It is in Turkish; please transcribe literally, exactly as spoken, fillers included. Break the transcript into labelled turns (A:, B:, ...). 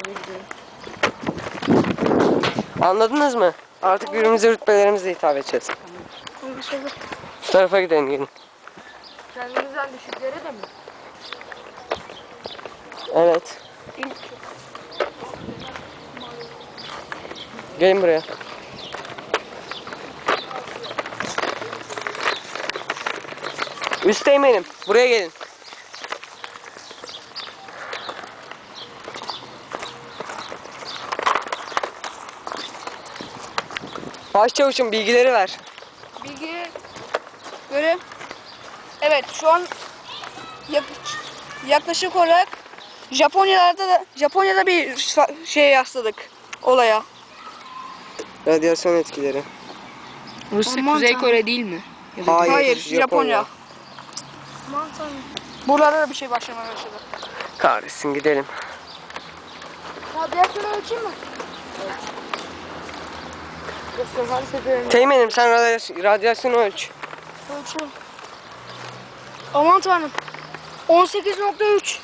A: Anladınız mı? Artık birbirimize rütbelerimizle hitap edeceğiz.
B: Anlaşıldı.
A: Şu tarafa gidelim gelin.
B: Kendimizden düşüklere de mi?
A: Evet. Gelin buraya. Üsteğmenim, buraya gelin. Başçavuşum bilgileri ver.
B: Bilgi göre evet şu an yak- yaklaşık olarak Japonya'da da Japonya'da bir fa- şeye yasladık olaya.
A: Radyasyon etkileri.
C: Rusya
B: Aman
C: Kuzey
B: tanrım.
C: Kore değil mi? Ya da
A: Hayır,
B: Hayır,
A: Japonya.
B: Japonya. Buralarda da bir şey başlamaya başladı.
A: Kahretsin gidelim.
B: Radyasyonu ölçeyim mi?
C: Her seferinde
A: Teğmenim sen radyasyon, radyasyonu ölç.
B: Ölçüyorum. Aman tanrım. on sekiz nokta üç.